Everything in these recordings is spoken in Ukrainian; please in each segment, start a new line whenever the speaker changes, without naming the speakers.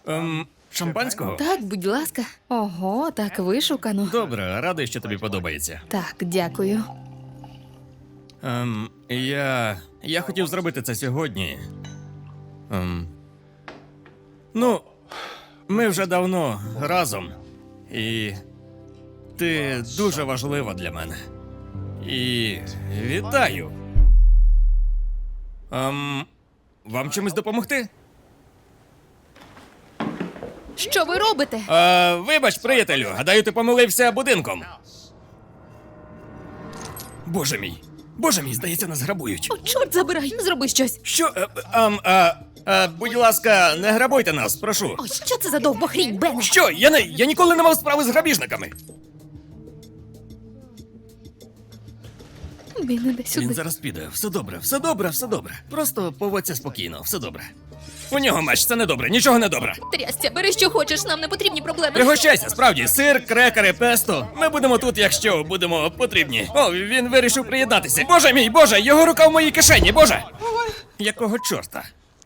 Шампанського?
Так, будь ласка. Ого, так вишукано.
Добре, радий, що тобі подобається.
Так, дякую.
Я хотів зробити це сьогодні. Ну, ми вже давно разом. І ти дуже важлива для мене. І вітаю. Вам чимось допомогти?
Що ви робите?
Вибач, приятелю, гадаю, ти помилився будинком. Боже мій, здається, нас грабують.
О, чорт забирай, зроби щось.
Що? Будь ласка, не грабуйте нас, прошу.
О, що це за довбохрінь, Бене?
Що? Я ніколи не мав справи з грабіжниками.
Він іде сюди.
Він зараз піде. Все добре. Просто поводься спокійно, все добре. У нього меч, це недобре, нічого не добре.
Трясця, бери що хочеш, нам не потрібні проблеми.
Пригощайся, справді, сир, крекери, песто. Ми будемо тут, якщо будемо потрібні. О, він вирішив приєднатися. Боже, його рука в моїй кишені, боже! Якого чорта?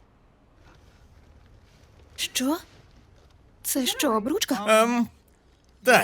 Що? Це що, обручка?
Так.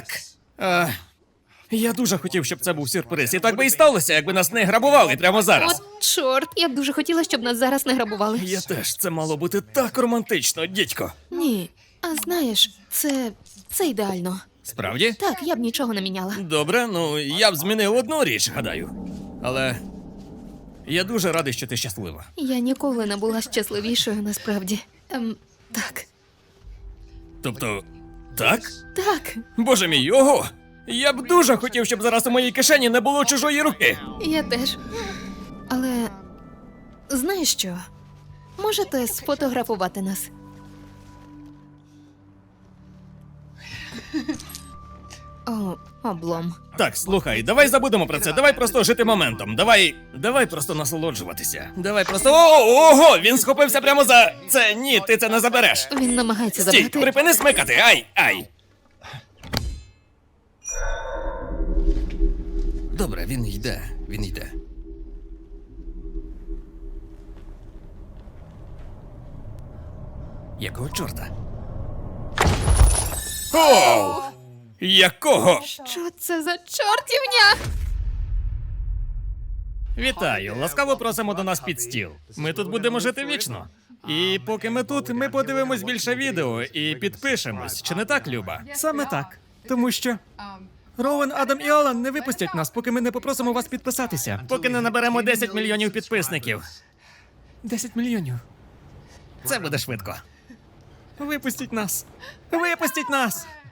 Я дуже хотів, щоб це був сюрприз. І так би і сталося, якби нас не грабували прямо зараз.
От чорт, я б дуже хотіла, щоб нас зараз не грабували.
Я теж, це мало бути так романтично, дідько.
Ні, а знаєш, це ідеально.
Справді?
Так, я б нічого не міняла.
Добре, ну я б змінив одну річ, гадаю. Але я дуже радий, що ти щаслива.
Я ніколи не була щасливішою, насправді. Так.
Тобто, так?
Так,
Боже мій, ого! Я б дуже хотів, щоб зараз у моїй кишені не було чужої руки.
я теж. Але знаєш що? Можете сфотографувати нас? О, облом.
Так, слухай, давай забудемо про це. Давай просто жити моментом. Давай просто насолоджуватися. Давай просто. Ого! Він схопився прямо за це. Ні, ти це не забереш.
Він намагається
Стій,
забрати.
припини смикати. Ай! Добре, він йде. Якого чорта? Оу! Якого?
Що це за чортівня?
Вітаю, ласкаво просимо до нас під стіл. Ми тут будемо жити вічно. І поки ми тут, ми подивимось більше відео і підпишемось. Чи не так, Люба?
Саме так. Тому що Роуен, Адам і Алан не випустять нас, поки ми не попросимо вас підписатися.
Поки не наберемо 10 мільйонів підписників.
10 мільйонів.
Це буде швидко.
Випустіть нас. Випустіть нас.